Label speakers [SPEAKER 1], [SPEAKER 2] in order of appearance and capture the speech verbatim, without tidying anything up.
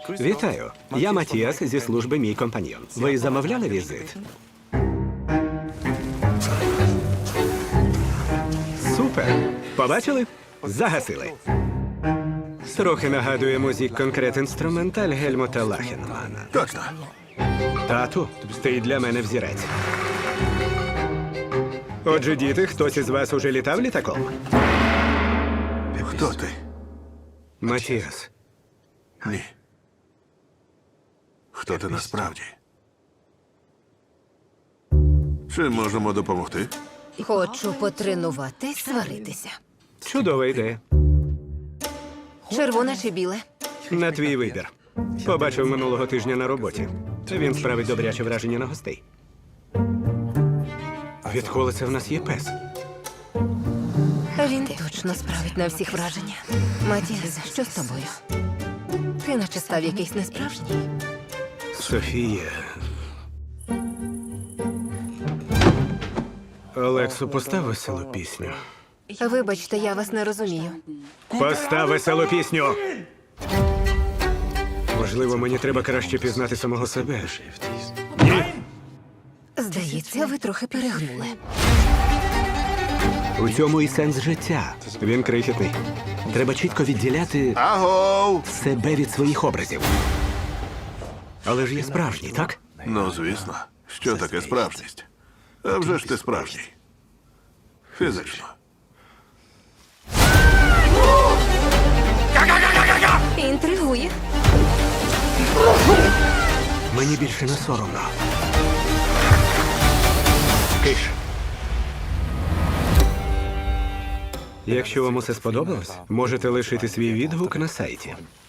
[SPEAKER 1] Вітаю. Я Матіас зі служби «Мій компаньйон». Ви замовляли візит? Супер! Побачили? Загасили. Трохи нагадує музик конкрет інструменталь Гельмута Лахенмана.
[SPEAKER 2] Точно.
[SPEAKER 1] Тату, ти для мене взірець. Отже, діти, хтось із вас уже літав літаком?
[SPEAKER 2] Хто ти?
[SPEAKER 1] Матіас.
[SPEAKER 2] Ні. Хто ти насправді? Чим можемо допомогти?
[SPEAKER 3] Хочу потренуватись сваритися.
[SPEAKER 1] Чудова ідея.
[SPEAKER 3] Червоне чи біле?
[SPEAKER 1] На твій вибір. Побачив минулого тижня на роботі. Він справить добряче враження на гостей. Відколи це в нас є пес?
[SPEAKER 3] Він точно справить на всіх враження. Матіас, що з тобою? Ти наче став якийсь несправжній.
[SPEAKER 1] Софія. Олексу, постав веселу пісню.
[SPEAKER 3] Вибачте, я вас не розумію.
[SPEAKER 1] Постав веселу пісню! Можливо, мені треба краще пізнати самого себе. Ні!
[SPEAKER 3] Здається, ви трохи перегнули.
[SPEAKER 1] У цьому і сенс життя. Він крихітний. Треба чітко відділяти
[SPEAKER 2] Агов!
[SPEAKER 1] себе від своїх образів. Але ж є справжній, так?
[SPEAKER 2] Ну, звісно. Що таке справжність? А вже ж ти справжній. Фізично.
[SPEAKER 3] Інтригує.
[SPEAKER 1] Мені більше не соромно. Киш. Якщо вам усе сподобалось, можете лишити свій відгук на сайті.